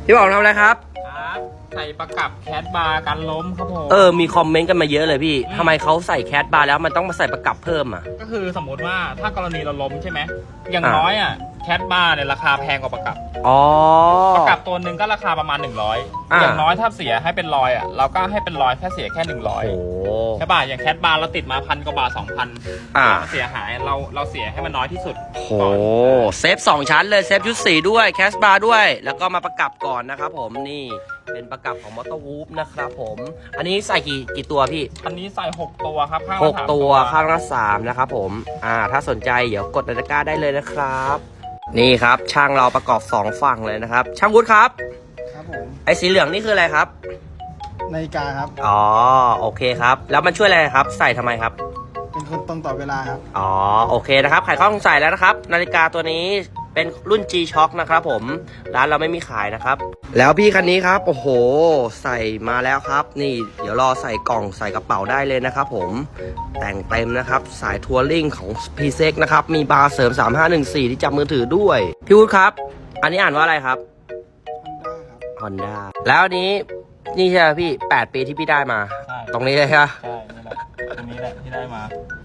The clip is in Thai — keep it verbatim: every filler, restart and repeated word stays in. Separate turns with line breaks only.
พี่บอกทำอะไรครับ
ครับใส่ประกับแคสบาร์กันล้มครับผม
เออมีคอมเมนต์กันมาเยอะเลยพี่ทำไมเขาใส่แคสบาร์แล้วมันต้องมาใส่ประกับเพิ่มอ่ะ
ก็คือสมมติว่าถ้ากรณีเราล้มใช่ไหมอย่างน้อยอ่ะแคสบาร์เนี่ยราคาแพงกว่าประกับ
อ๋อ
ประกับตัวหนึ่งก็ราคาประมาณหนึ่งร้อยอย่างน้อยถ้าเสียให้เป็นรอยอ่ะเราก็ให้เป็นรอยแค่เสียแค่หนึ่งร้อยใช่ป่ะอย่างแคสบาร์เราติดมาพันกว่าบาทสองพันอ่าเสียหายเราเราเสียให้มันน้อยที่สุด
โอ้เซฟสองชั้นเลยเซฟชุดสีด้วยแคสบาร์ด้วยแล้วก็มาประกับก่อนนะครับผมนี่เป็นประกับของมอเตอร์วูฟนะครับผมอันนี้ใส่กี่กี่ตัวพี่
อันนี้ใส่หกตัวครับข้าง
ห
ละ
กตัวข้างละสามนะครับผมอ่าถ้าสนใจเดี๋ยวกดตะกร้าได้เลยนะครับนี่ครับช่างเราประกอบสองฝั่งเลยนะครับช่างวุฒิครับ
ครับผม
ไอ้สีเหลืองนี่คืออะไรครับ
นาฬิกาครับ
อ๋อโอเคครับแล้วมันช่วยอะไรครับใส่ทำไมครับ
เป็นคนตรงต่อเวลาครับ
อ๋อโอเคนะครับขายข้อสงสัยแล้วนะครับนาฬิกาตัวนี้เป็นรุ่น G-Shock นะครับผมร้านเราไม่มีขายนะครับแล้วพี่คันนี้ครับโอ้โหใส่มาแล้วครับนี่เดี๋ยวรอใส่กล่องใส่กระเป๋าได้เลยนะครับผมแต่งเต็มนะครับสายทัวริ่งของ พี เซ็ก นะครับมีบาร์เสริมสามห้าหนึ่งสี่ที่จับมือถือด้วยพี่วุฒิครับอันนี้อ่านว่าอะไรครับ
Honda ครับ
Honda แล้วอันนี้นี่ใช่ไหมพี่แปดปีที่พี่ได้มาตรงนี้เลยครับ
ใช่นี่แหละตรงนี้แหละที่ได้มา